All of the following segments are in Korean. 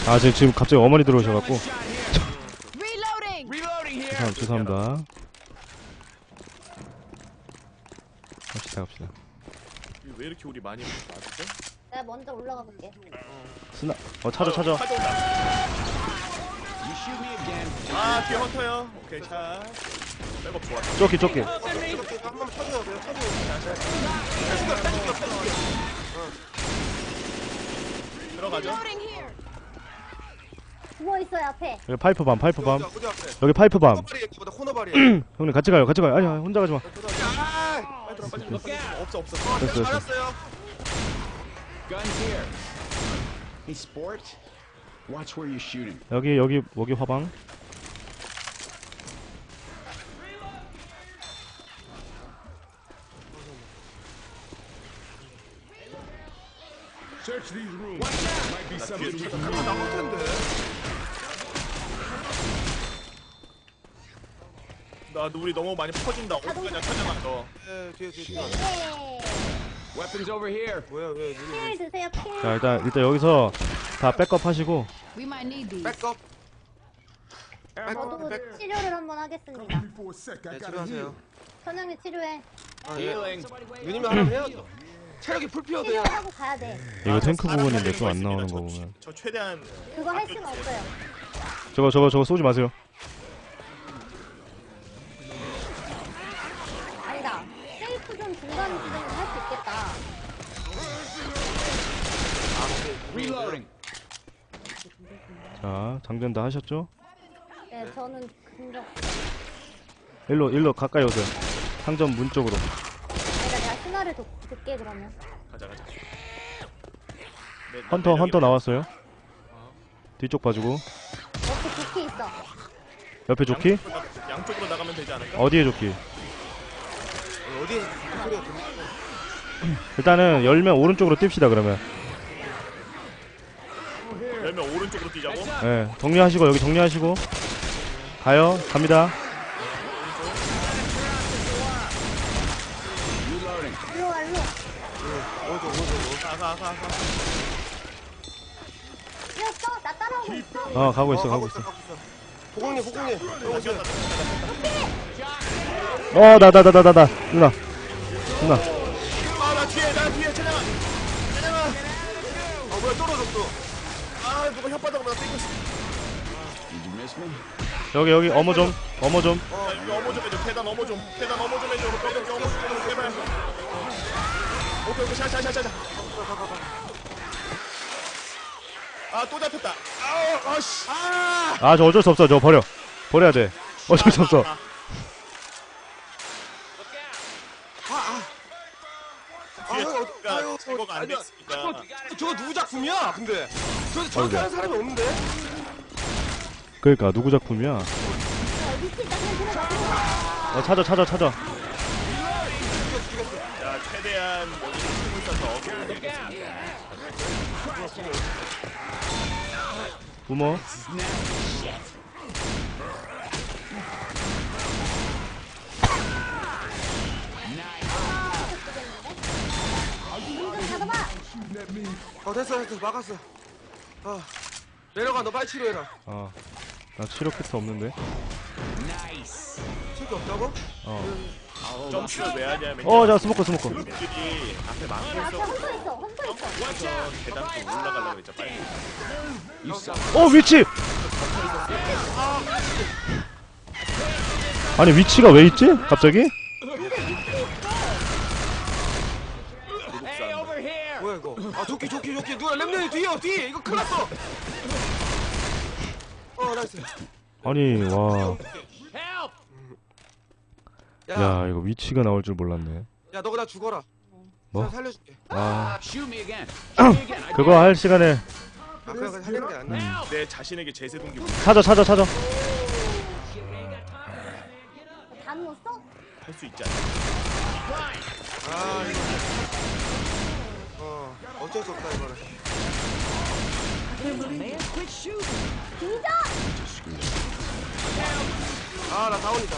아 지금 갑자기 어머니 들어오셔갖고. 죄송합니다. 갑시다. 왜 이렇게 우리 많이 맞았어? 내가 먼저 올라가 볼게. 스나. 찾아. 아 뒤에 헌터요. 오케이 자. 백업 좋았어. 쪼끼. 한번 쳐줘요. 그냥 쳐줘요. 들어가죠. 누워 있어요 앞에. 여기 파이프밤. 어디 앞에? 여기 파이프밤. 코너발이 얘기보다 코너발이야. 형님 같이 가요. 아니 혼자 가지 마. 빨리 들어. 없어. 됐어. 맞았어요. Guns here. Hey, sport. Watch where you're shooting. 여기 화방. Search these rooms. Might be something we can use. 나올 텐데. 나 우리 너무 많이 퍼진다. 어디가냐 찾아놔 너. 예, 뒤에. 예. Weapons over here. 뭐야, 왜? 필 드세요 필. 자 일단 여기서 다 백업 하시고. We might need these. 백업. 저도 백. 치료를 한번 하겠습니다. For a sec, I 네, gotta heal. 치료하세요. 선영님 치료해. Healing. 누님이 하라면 해야죠. 체력이 풀피어도 해야. 치료하고 가야 돼. 이거 탱크 사람 부분인데 살리는 또 안 있습니다. 나오는 저 거 보면. 저 최대한 그거 할 수는 없어요. 저거 쏘지 마세요. 아니다. 세이프 좀 중간 지점에서 할 수 있겠다. Reloading. 자 장전 다 하셨죠? 네, 저는 근접. 일로 가까이 오세요. 상점 문 쪽으로. 아니다, 내가 신화를 듣게 그러면. 가자. 헌터 나왔어요. 뒤쪽 봐주고. 옆에 조끼 있어. 옆에 조끼? 양쪽으로 나가면 되지 않을까? 어디에 조끼? 어디에 소리가 들려? 일단은 열면 오른쪽으로 뜁시다 그러면. 열면 오른쪽으로 뛰자고. 예, 정리하시고 여기 정리하시고 갑니다. 일로 와, 일로. 오른쪽. 가. 뛰었어? 나 따라오고 있어. 가고 있어. 보공님. 오세요. 나 누나. 나 뒤에 찬양아. 뭐야, 떨어졌어. 아 누가 혓바닥으로 나 때리고 있어. Did you miss me? 여기 어머 좀. 야, 이거 어머 좀 해줘. 계단 어머 좀 해줘. 어머 좀 제발. 오케이 샤. 아또 잡혔다. 아씨. 저 어쩔 수 없어. 저 버려야 돼. 어쩔 수 없어. 뒤에 제거가 안 아니야. 됐으니까. 저거 누구 작품이야? 근데 저렇게 하는 사람이 없는데? 그러니까 누구 작품이야? 밑에 있다, 그냥 들어가. 찾아. 자 최대한 여기 숨을 써서 어깨를 부모. 문 좀 닫아봐. 됐어. 막았어. 내려가, 너 빨리 치료해라. 나 치료 키트 없는데. Nice. 칠게 없다고? 점프를 왜 하냐면 자 스모커. 들이 앞에 막고 앞에 있어. 험터 있어. 계단 좀 올라가려고 했죠 빨리. You suck. 위치. 아니 위치가 왜 있지? 갑자기? Hey, over here. 뭐야 이거? 조끼. 누가 랩년이 뒤에. 이거 큰일 났어. 나이스. 아니 와. Help. 야 이거 위치가 나올 줄 몰랐네. 야, 너가 나 죽어라. 뭐? 내가 살려줄게. Shoot me again. Shoot me again. I 그거 할 시간에 그냥 살리는 게 낫네. 내 자신에게 제세 동기 찾아. 다 누웠어? 할수 있지 않아? 이거. 어쩔 수 없다 이거는. 뒤져! 나 다운이다.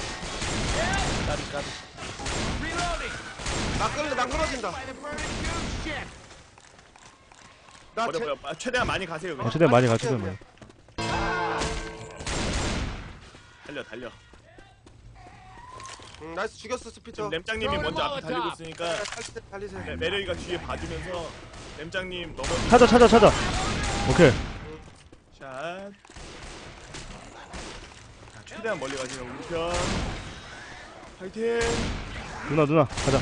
나 끊어진다. 버려. 최대한 많이 가세요. 그냥. 최대한 많이 가, 최대한 많이. 달려. 나이스 죽였어 스피터. 지금 램장님이 먼저 앞에 달리고 있으니까 달리세요. 메르이가 뒤에 봐주면서 램장님 넘어지. 찾아. 오케이. 샷. 자, 최대한 멀리 가시는 우리 편. 파이팅. 누나, 가자.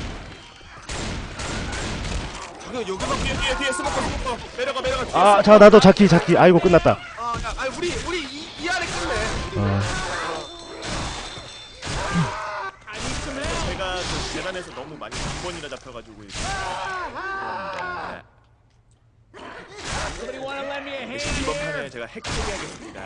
여기만 뒤에 스모커. 내려가. 아, 자, 나도 자키. 아이고, 끝났다. 우리 이 안에 끝내. 제가 그 계단에서 너무 많이 2번이나 잡혀가지고 Somebody want to lend me a hand 이번 here? 판에 제가 핵 처리하겠습니다.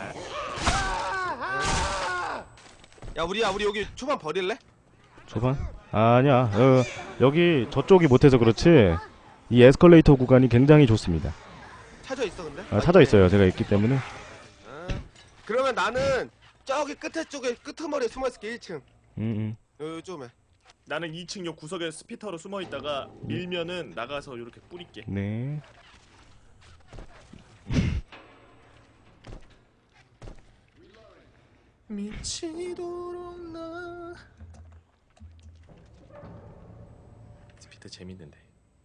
야 우리 여기 초반 버릴래? 초반? 아니야. 여기 저쪽이 못해서 그렇지. 이 에스컬레이터 구간이 굉장히 좋습니다. 찾아 있어 근데? 찾아 있어요. 제가 있기 때문에. 그러면 나는 저기 끝에 쪽에 끄트머리에 숨어있을게 1층. 요즘에. 나는 2층 요 구석에 스피터로 숨어있다가 밀면은 나가서 이렇게 뿌릴게. 네. 미치도록 나 스피터 재밌는데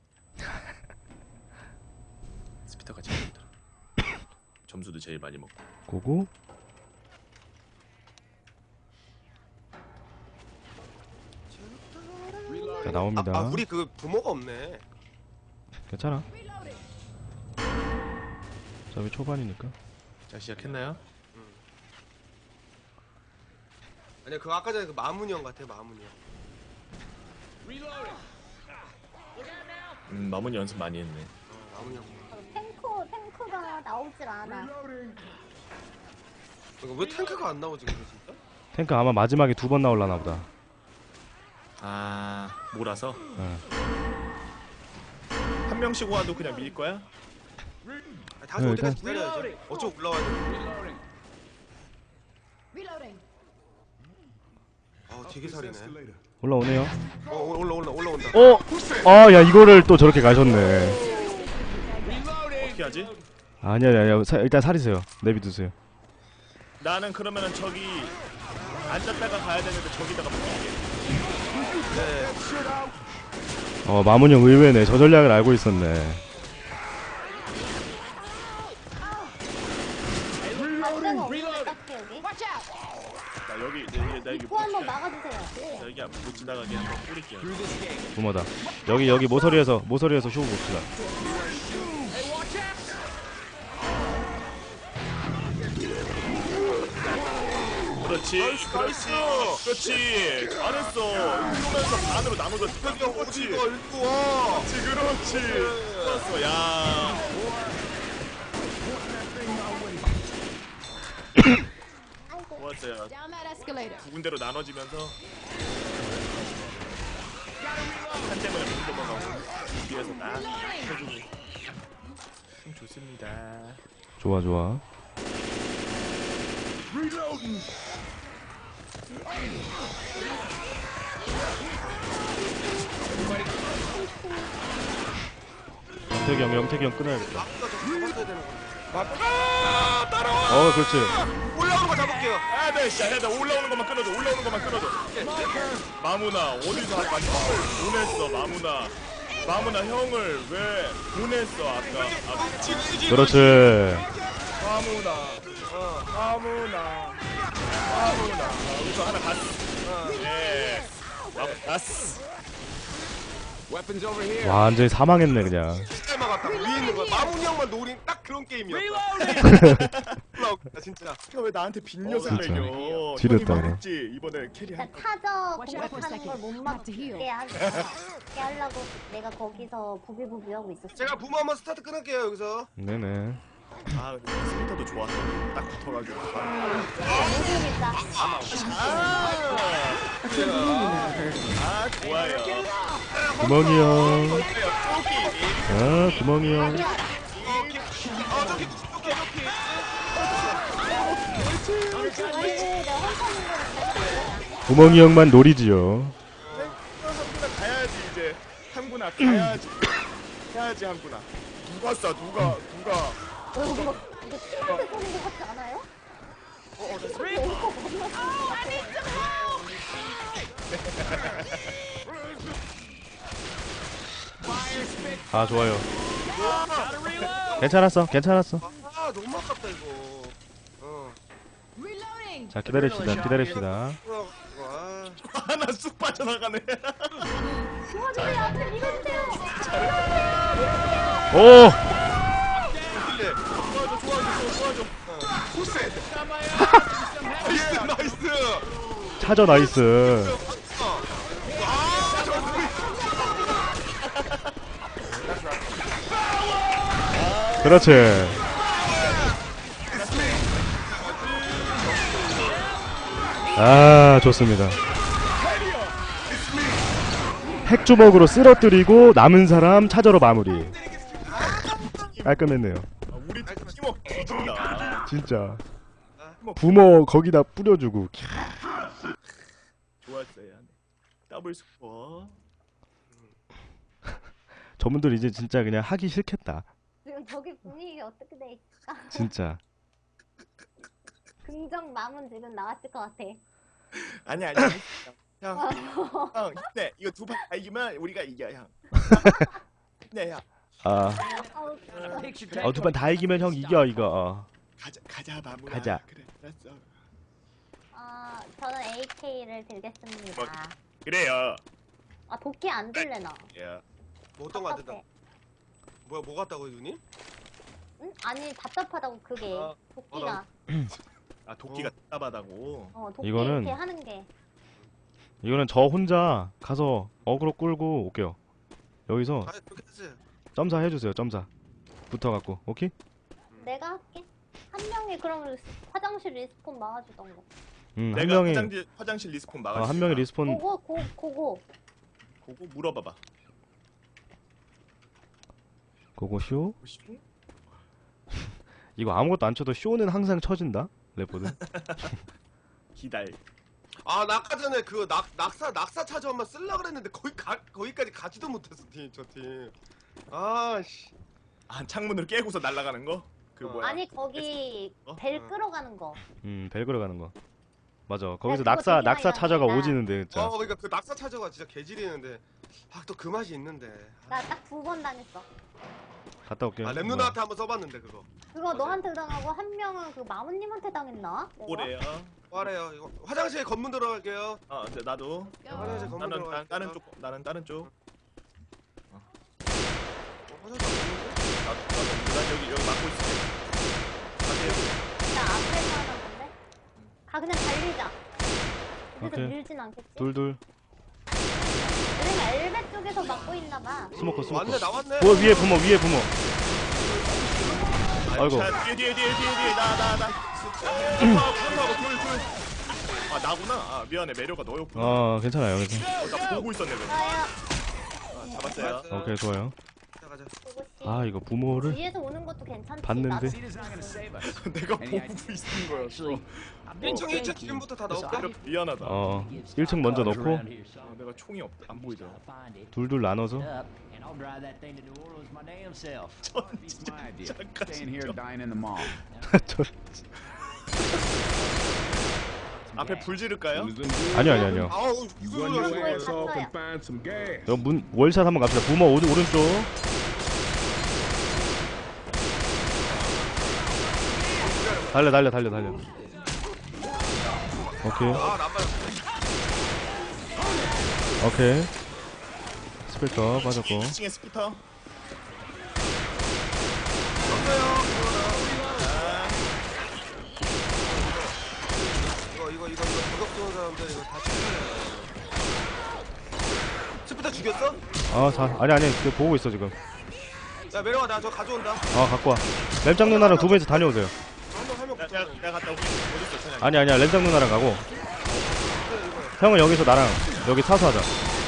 스피터가 제일 힘들어. 점수도 제일 많이 먹고. 고고. 자, 나옵니다. 우리 그 부모가 없네. 괜찮아. 어차피 초반이니까. 자, 시작했나요? 아니야 그 아까 전에 그 마문이 형 같아 마문이 형. 마문 연습 많이 했네. 마문이 형. 탱크가 나오질 않아. 왜 탱크가 안 나오지 근데 진짜? 탱크 아마 마지막에 2번 나올라나 보다. 아, 몰아서? 응. 한 명씩 와도 그냥 밀 거야? 다시 네, 어디까지 일단- 기다려야지. 어쩌고 올라와야 돼. 되게 살이네. 올라오네요. 올라온다. 야, 이거를 또 저렇게 가셨네. 어떻게 하지? 아니야. 일단 살이세요. 내비두세요. 나는 그러면은 저기 앉았다가 가야 되는데 저기다가 붙일게. 네. 마문형 의외네. 저 전략을 알고 있었네. 반대가 없는데 딱히 여기. 나 여기 나 여기 입구 한번 막아주세요. 여기 못 지나가게 한번 뿌릴게요. 부모다. 여기 모서리에서 쇼 봅시다. 그렇지. 잘했어. 이러면서 반으로 나눠서 형 그렇지. 어디 거 읽고 와. 그렇지. 좋았어. 야. 좋았어요. 두 군데로 나눠지면서 한 대만에 못 넘어가고 뒤에서 딱 해주고 좋습니다. 좋아. 영택이 형 끊어야겠다. 따라와. 그렇지. 올라오는 거 잡을게요. 해야 돼. 올라오는 것만 끊어줘. 마무나 어디서 아까 형을 보냈어. 마무나 형을 왜 보냈어 아까. 그렇지. 마무나. 여기서 하나 갔어. 네. 갔어. Weapons over here. 완전히 사망했네 그냥. 진짜 막았다. 위에 있는 거. 마문이 형만 노린 딱 그런 게임이었다. 올라오겠다 진짜. 왜 나한테 빈녀석 진짜. 매겨? 지렸다, 형이 그래. 막았지 이번에 캐리할 거. 타저 공격하는 걸 못 막게 하려고 내가 거기서 부비부비하고 있었어. 제가 부모 한번 스타트 끊을게요 여기서. 네네. 아 근데 스피터도 좋았어. 딱 붙어가지고. 모르겠다. 좋아요. 구멍이 형. 구멍이 형. 구멍이 형만 노리지요. 가야지 이제 한구나 가야지. 한구나. 누가 쏴 누가 이거 팀한테 쏘는 것 같지 않아요? 아 좋아요. 괜찮았어. 아 너무 아깝다 이거. 자 기다립시다. 와. 하나 쑥 빠져나가네. 도와주세요. 앞에 밀어주세요. 오 근데 도와줘. 코스. 나이스. 차저 나이스. 아 그렇지. 아 좋습니다. 핵주먹으로 쓰러뜨리고 남은 사람 차저로 마무리. 깔끔했네요. 우리 팀 팀워크 뒤진다. 진짜. 부모 거기다 뿌려주고. 좋았어요. 더블 스코어. 저분들 이제 진짜 그냥 하기 싫겠다. 지금 저기 분위기 어떻게 돼 있을까? 진짜. 긍정 마음은 지금 나왔을 것 같아. 아니야. 형, 네 이거 두 판 다 이기면 우리가 이겨 형. 네 형. 아, 아우, 두 판 다 이기면 형 이겨 이거. 가자 마무라. 가자. 그래 알았어. 저는 AK를 들겠습니다. 그래요. 아 도끼 안 들래나? 예. 뭐 어떤 거 안 된다. 뭐야 뭐 같다고 누님? 응? 아니 답답하다고 그게 아, 도끼가. 아 도끼가 답답하다고. 도끼 이거는- 이렇게 하는 게. 이거는 저 혼자 가서 어그로 끌고 올게요. 여기서 아 그렇게 했어요. 점사 해주세요. 점사. 붙어갖고 오케이? 내가 할게. 한 명이 그럼 화장실 리스폰 막아주던 거. 한 내가 명이 화장실 리스폰 막아. 한 명이 리스폰. 고고. 보고 물어봐봐. 고고쇼. 이거 아무것도 안 쳐도 쇼는 항상 쳐진다. 래퍼들. 기다려. 아 나 아까 전에 그 낙사 차저 한번 쓸라 그랬는데 거기까지 가지도 못했어 저 팀. 아씨. 아 창문으로 깨고서 날아가는 거? 그 뭐야? 아니 거기 벨 끌어가는 거. 벨 걸어가는 거. 맞아. 거기서 그거 낙사 되게 많이 차저가 나옵니다. 오지는데 진짜. 그러니까 그 낙사 차저가 진짜 개질이는데 아 또 그 맛이 있는데. 나 딱 2번 당했어. 갔다 올게요. 아 랩 누나한테 한번 써봤는데 그거. 그거 너한테 당하고 한 명은 그 마무님한테 당했나? 내가? 오래요. 말해요. 이거 화장실 검문 들어갈게요. 나도. 화장실 검문 나는 들어갈게요. 다른 쪽. 나는 다른 쪽. 화장실 없는데? 난 여기 막고 있을게. 가세요. 나 앞에서 하나 본데? 그냥 달리자. 그래서 오케이. 밀진 않겠지? 둘. 우리가 엘베 쪽에서 막고 있나봐. 스모커. 왔네 나왔네. 위에 부모. 아이고. 자, 뒤에. 나. 하고 둘. 아 나구나. 아 미안해. 매료가 너였구나. 괜찮아요. 나 보고 있었네. 그래. 나야. 잡았어요. 오케이, 좋아요. 자 가자. 그것이. 아, 이거 부모를 위에서 오는 것도 괜찮지. 봤는데. 나도 Seed is not gonna save us. 내가 And 보고 I- 있는 거였어. Actually, I'm 1층 thinking 1층 지금부터 다 this 넣을게. obvious 미안하다. 1층 먼저 넣고 around here, so 내가 총이 안 보이더라. I'll find it. 둘 나눠서 Up, and I'll drive that thing to New Orleans my damn self. Beats my idea. Staying here, dying in the mall. 저, 앞에 불 지를까요? 아니요. 아우 Run 이거 your ass 뭐야. off and find some gas. 여기 월샷 한번 갑시다. 부모 오른쪽. 달려. 오케이. 아 나빠요. 오케이. 스펠터 빠졌고. 2층에 스피터. 이거 도덕 좋은 사람들 이거 다 죽여야 스피터 죽였어? 아니. 보고 있어 지금. 야 매력아 나 저 가져온다. 갖고 와. 램장 누나랑 두 분이서 다녀오세요. 한명 내가 갔다 올게. 어딨어, 천양이? 아니야. 램장 누나랑 가고. 형은 여기서 나랑 여기 사수하자.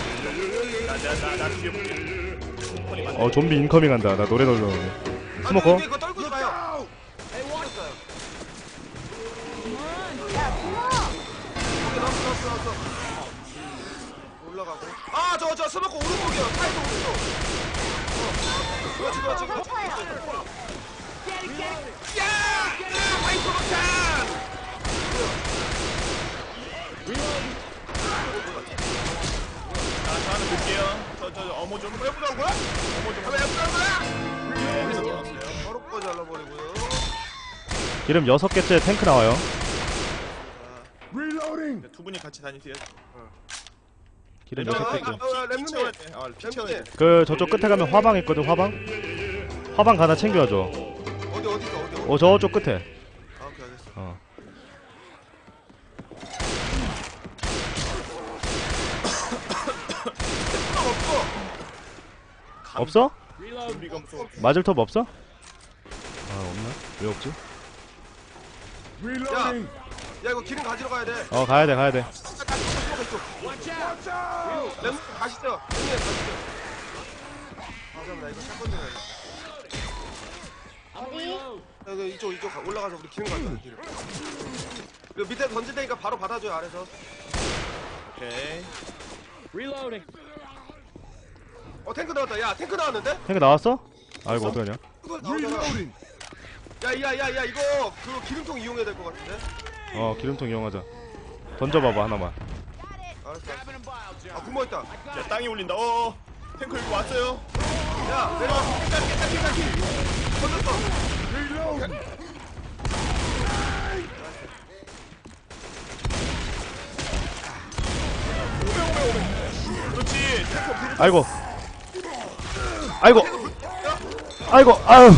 나 뒤에 볼게. 좀비 인커밍 한다. 나 노래 돌려오네. 스모커? 이거 떨구지 마요. 야, 부모! 여기 나왔어. 올라가고. 아 저 스모커 오른쪽이요. 차에서 오른쪽. 그렇지 그렇지 그렇지. 아파요. 야! 파이터 박찬! 자, 저는 볼게요. 저 어머 좀 해보자는 거야? 어머 좀 해보자는 거야? 네, 해서 나왔어요. 바로까지 잘라버리고요. 기름 6개째 탱크 나와요. Reloading. 두 분이 같이 다니세요. 기름 야, 6개째. 렘님. 채워야 돼. 피 채워야 돼. 그 저쪽 끝에 가면 화방 있거든. 화방 하나 챙겨줘. 어디 있어? 저쪽 끝에. 아 오케이 알겠어. 어. 없어? 우리가 무서워. 맞을 톱 없어? 아 없나? 왜 없지? Reloading. 야 이거 기름 가지러 가야 돼. 가야 돼. 렘님 가시죠. 렘님 가시죠. 아 잠깐만 나 이거 샷건 좀 해야겠다. 어디? 야, 이거 이쪽 올라가서 우리 기름 가자 기름. 그 밑에 던질 테니까 바로 받아줘요 아래서. 오케이. 탱크 나왔다. 야 탱크 나왔는데? 탱크 나왔어? 아이고 어떡하냐? Reloading. 야야야야 이거 그 기름통 이용해야 될 것 같은데? 기름통 이용하자. 던져봐봐 하나만. 알았어. 아 구멍 있다. 자, 땅이 울린다. 탱크 여기 왔어요. 야 내려와. 깨끗이. 던졌어. Reloading. 그렇지. 탱크 불. 아이고. 아유.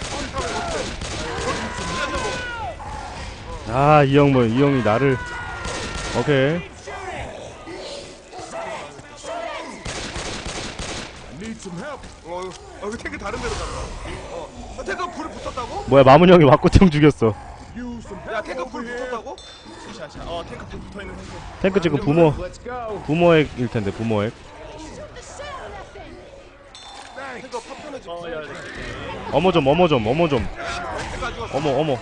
이 형이 나를. 오케이. Need some help. 이거 탱크 다른 데로 갔다. 탱크 불 붙었다고? 뭐야 마문 형이 왁구형 죽였어. Use some 야 help 탱크 over 불 here. 붙었다고? 샤. 탱크 불 붙어 있는 탱크. 탱크 지금 Let's go. 부모액일 텐데 부모액. 탱크 파편을 지금. 야. 어머 좀. 탱크 가지고. 어머.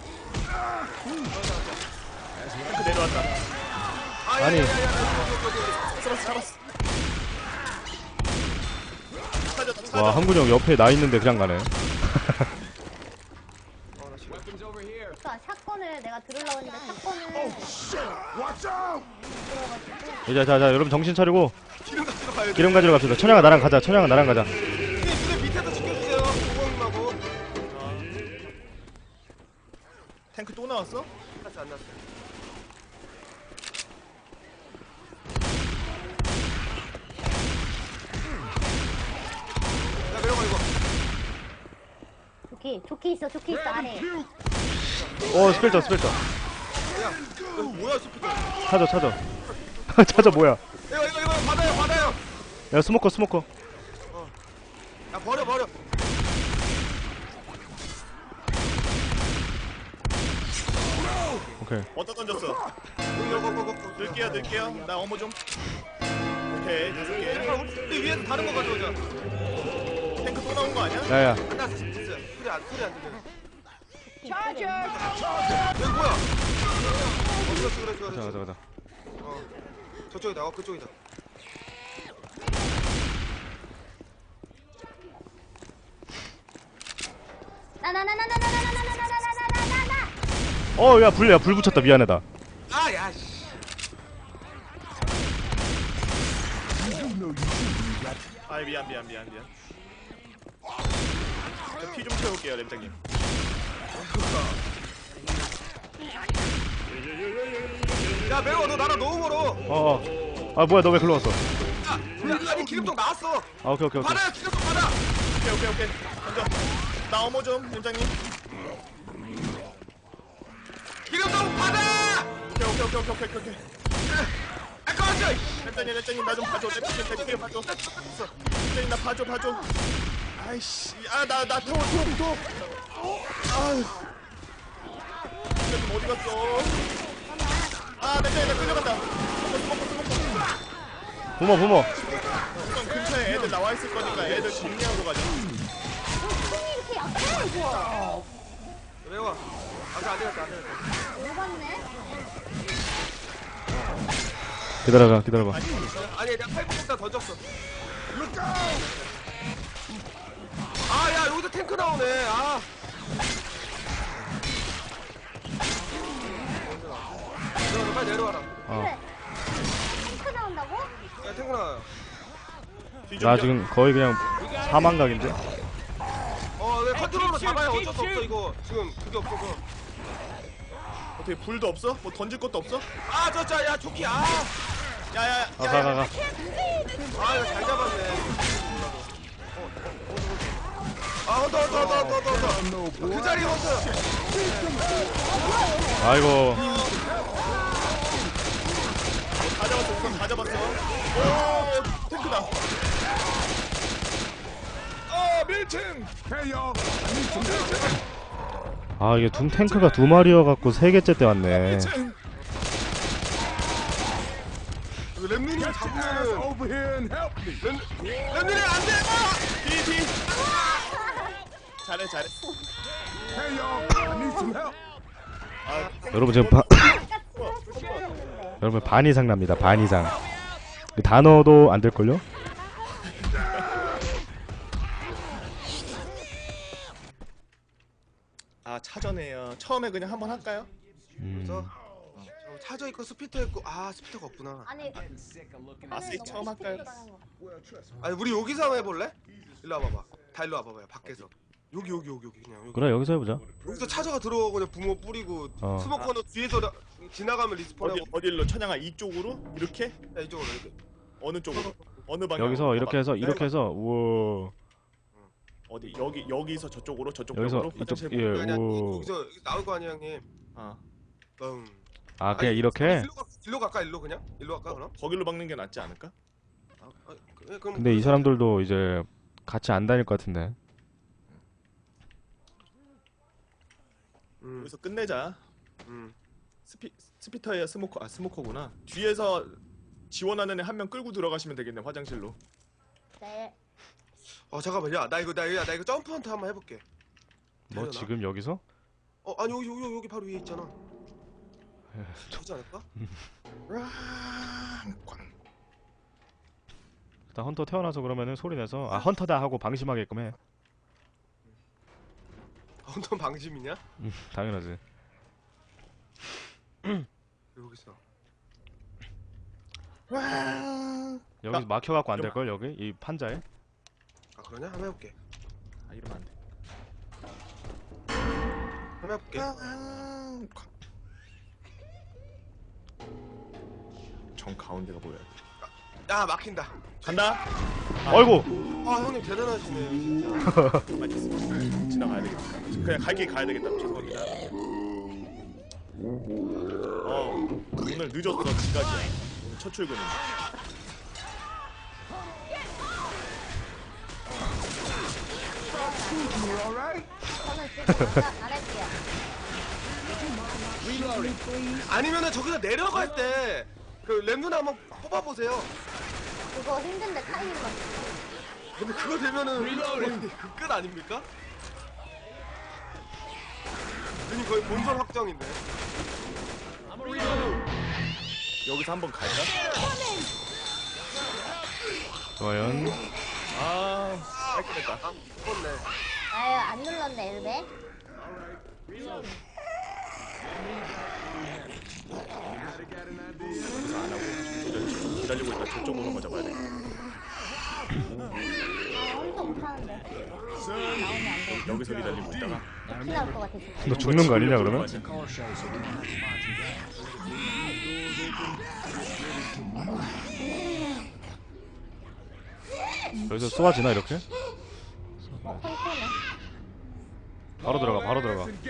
탱크 내려왔다. 아니. 잡았어. 찾았다. 와 한군 형 옆에 나 있는데 그냥 가네. Weapons over here. 그러니까 샷건을 내가 들으려고 했는데 샷건을 Watch out. 이제 자 여러분 정신 차리고 기름 가지러 가야 돼. 기름 가지러 갑시다. 천양아 나랑 가자. 근데 밑에서 지켜주세요. 고객님하고. 탱크 또 나왔어? 안 났어. 야 내려가 이거. 조끼 있어 아래. 스펠터. 야 이거 뭐야 스피커. 찾아. 찾아 뭐야? 이거 받아요. 야 스모커. 야 버려. 오케이. 어디다 던졌어? 고. 넣을게요. 나 어머 좀. 오케이. 5개. 우리 위에서 다른 거 가져오자. 탱크 또 나온 거 아니야? 야야. 안 났어 진짜. 소리 안 들려. 차저. 여기 뭐야? 그렇지. 가자. 저쪽이다. 그쪽이다. 나나나나나나나나나나나나나나. 야 불 붙였다. 미안하다. 야 씨. 아이 미안. 피 좀 채울게요, 램장님. 야 매워 너 나랑 너무 멀어. 뭐야 너 왜 글로 왔어? 야 아니 기름통 나왔어. 오케이. 받아요 기름통 받아. 오케이. 던져. 나 어머 좀, 램장님. 기름통 받아. 오케이. 아 꺼져. 램장님 나 좀 봐줘. 램장님 봐줘. 램장님 나 봐줘. 아이씨, 나 태워. 아유. 램장님 어디 갔어? 램장님 나 끌려간다. 부모. 우선 근처에 애들 나와 있을 거니까 애들 정리하고 가자. 이렇게 약해 이거. 매워. 안 되겠다. 녹았네. 기다려봐. 아니 내가 팔꿈치 던졌어. 아, 야, 여기서 탱크 나오네. 아. 내려와, 빨리 내려와라. 그래. 탱크 나온다고? 야, 탱크 나와요. 나 지금 거의 그냥 사망각인데. 네, 컨트롤로 잡아야 어쩔 수 없어, 이거. 지금 그게 없어서. 어떻게 불도 없어? 뭐 던질 것도 없어? 아, 야, 조끼, 아. 야야야. 가. 아, 이거 잘 잡았네. 헌터. 그 자리에 헌터. 아이고. 다 잡았어. 우선 다 잡았어. 오 탱크다. 밀칭. Hey, y'all. I need some help. 아 이게 둠 탱크가 두 마리여갖고 세 개째 때 왔네. 밀칭. 랩눈이 Get your ass 잡으면은 over here and help me. 랩눈이 안 돼. 뒤. 잘해. Hey, y'all. I need some help. 여러분 지금 아까 치웠는데. 여러분 반 이상 납니다. 반 이상. 그 단어도 안 될걸요? 차전에요. 처음에 그냥 한번 할까요? 그래서 차저 있고 스피터 있고 스피터가 없구나. 아니 Sick of looking. 하늘 섹 처음 너무 할까요? 시끄럽다는 거. 아니 우리 여기서 한번 해볼래? 일로 와봐봐. 다 일로 와봐봐요. 밖에서. 여기 그냥 여기. 그래 여기서 해보자. 여기서 차저가 들어오고 그냥 붕어 뿌리고 스모커는 뒤에서 지나가면 리스폰하고. 어디로 천양아 이쪽으로 이렇게 야, 이쪽으로 이렇게. 어느 쪽으로 어느 방향? 여기서 이렇게 해서 우와. 어디 여기서 저쪽으로 여기서 벽으로 이쪽 화장실 예 아니야, 우. 여기서 나올 거 아니야 형님. 아 아 그냥 이렇게. 일로 갈까 일로 그냥? 일로 갈까 그럼? 거기로 박는 게 낫지 않을까? 그럼. 근데 이 사람들도 이제 같이 안 다닐 것 같은데. 여기서 끝내자. 음. 스피터야 스모커구나. 뒤에서 지원하는 애 한 명 끌고 들어가시면 되겠네 화장실로. 네. 잠깐만 나 이거 점프 헌트 한번 해볼게. 뭐 되려나? 지금 여기서? 아니 여기 바로 위에 있잖아. 되지 않을까? 일단 헌터 태어나서 그러면은 소리 내서 헌터다 하고 방심하게끔 해. 헌터 방심이냐? 당연하지. 여기 있어. 여기 막혀갖고 안 될걸 여기 이 판자에. 그러냐? 한번 해볼게. 이러면 안 돼. 한번 해볼게. 정 가운데가 보여야 돼. 막힌다. 간다. 아이고. 형님 대단하시네요 진짜. 많이 있어. 지나가야 되겠다. 그냥 갈 길 가야 되겠다. 죄송합니다. 오늘 늦었어 지각이야. 오늘 첫 출근인데. You all right? 저는 지금 안 할게요. 아니면은 저기서 내려갈 때 그 램눈 한번 뽑아보세요. 그거 힘든데 타이밍 맞. 근데 그거 되면은 그 끝 아닙니까? 눈이 거의 본선 확정인데. 여기서 한번 갈까? 과연 깔끔했다. 죽었네. 아유 안 눌렀네 엘베. 여기서 안 하고 기다리고 있다. 저쪽으로 한번 잡아야 돼. 혼자 못하는데. 나오면 안 돼. 여기서 기다리고 있다가 피 나올 것 같아 진짜. 너 죽는 거 아니냐 그러면? Car show, so we're not sponsored. 여기서 쏘아지나 이렇게? 탱크네. 바로 들어가.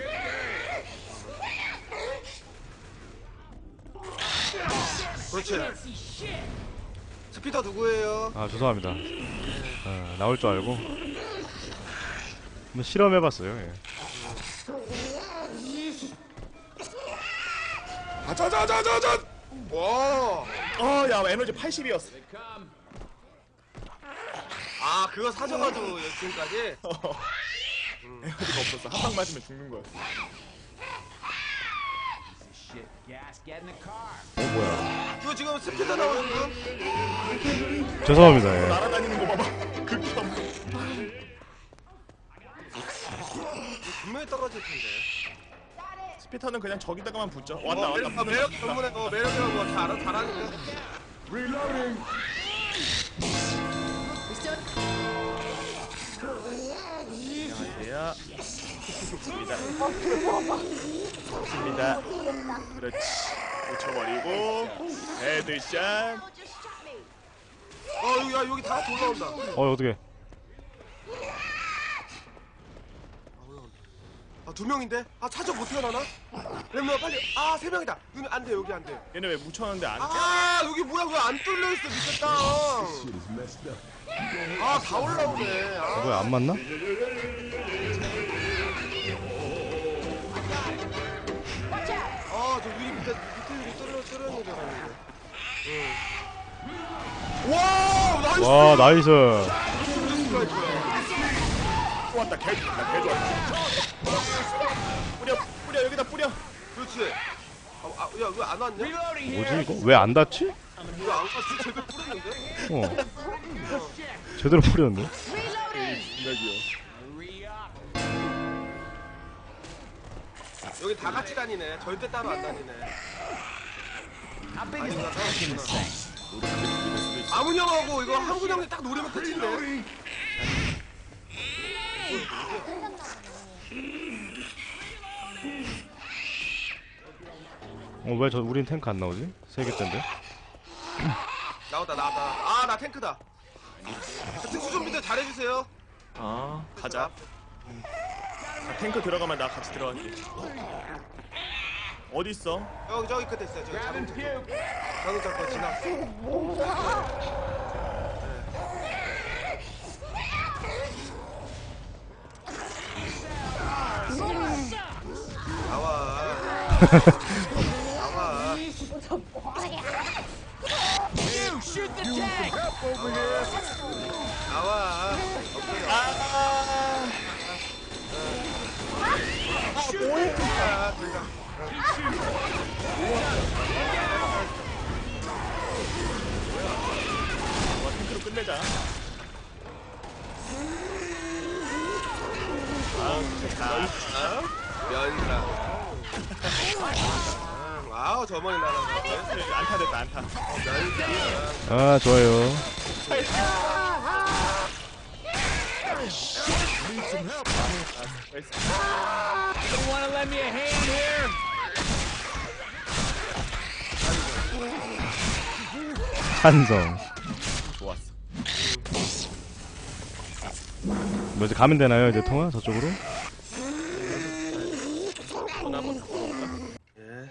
그렇지. 스피터 누구예요? 죄송합니다. 나올 줄 알고 한번 실험해봤어요. 예. 자자자자자. 와. 야 에너지 80이었어. 그거 사줘가지고 지금까지. 에너지가 없었어. 한 방 맞으면 죽는 거야. Shit, gas, get in the car. 이거 지금 스피터 나오는 거? 죄송합니다. 예. 날아다니는 거 봐봐. 극혐. 분명히 떨어질 텐데. 스피터는 그냥 저기다가만 붙죠. 왔다 어, 왔다. 매력 전문에 매력이라고 잘하니까. Reloading. 안녕하세요. 좋습니다. 좋습니다. 그렇지. 붙여버리고 헤드샷. 여기 다 같이 올라온다. 어떻게? 아, 2명인데? 아, 차저 못 태어나나? 렘너 빨리. 아, 3명이다. 눈 안 돼, 여기 안 돼. 얘네 왜 묻혀놨는데 안? 아, 여기 뭐야, 왜 안 뚫려있어, 밑에 땅. Shit is messed up. 아, 다 올라오네. 아, 왜 안 맞나? 저 밑에 유리 뚫렸는 줄 알았는데. 와, 나이스! 와 나이스. 또 왔다. 개 좋았다. 뿌려 여기다 뿌려. 그렇지. 야, 왜 안 왔냐? 뭐지 이거? 왜 안 닿지? 왜 안 갔지? 제대로 뿌렸는데? 제대로 뿌렸는데? 여기 다 같이 다니네. 절대 따로 안 다니네. 아니구나, 따로 없구나. 아문 형하고 이거 한군 형이 딱 노리면 끝인데. 왜 우린 탱크 안 나오지? 3개째인데? 나왔다. 아, 나 탱크다. 특수 좀비들 잘해주세요. 가자. 자, 탱크 들어가면 나 같이 들어갈게. 어디 있어? 저기 끝에 있어요. 저기 자동차. 자동차 거 지났어. 나와. 나와. 나와. 와 탱크로 끝내자. 면사. 와우, 저번에 나랑 안타 됐다 안타. 면사. 아 좋아요. You wanna lend me a hand here? 찬성. 좋았어. 뭐 이제 가면 되나요 이제 통화 저쪽으로? 예.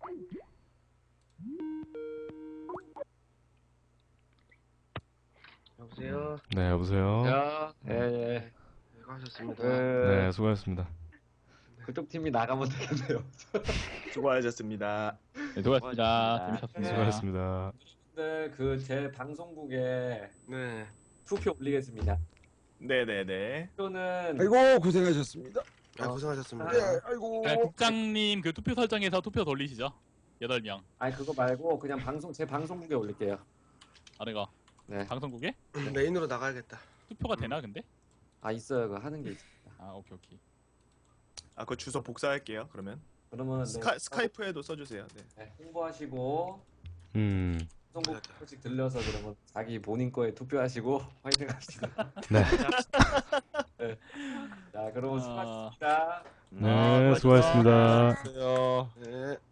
여보세요. 네 여보세요. 예. 수고하셨습니다. 네 수고하셨습니다. 그쪽 팀이 나가면 되겠네요. 수고하셨습니다. 네, 수고하셨습니다. 재밌었습니다. 수고하셨습니다. 네, 그 제 방송국에 네. 투표 올리겠습니다. 네네네. 투표는 아이고 고생하셨습니다. 고생하셨습니다. 예, 아이고. 네, 국장님 그 투표 설정에서 투표 돌리시죠. 8명. 아니 그거 말고 그냥 제 방송국에 올릴게요. 아내가 네. 방송국에 메인으로 나가야겠다. 투표가 되나 근데? 있어요. 그거 하는 게 있습니다. 아 오케이. 아 그 주소 복사할게요. 그러면 그러면 스카이프에도 써주세요. 네. 네, 홍보하시고 방송국 조금씩 들려서 그러면 자기 본인 거에 투표하시고 화이팅 합시다. 네. 네. 자, 그러면 아. 수고하셨습니다. 네 수고하셨습니다. 안녕하세요. 네.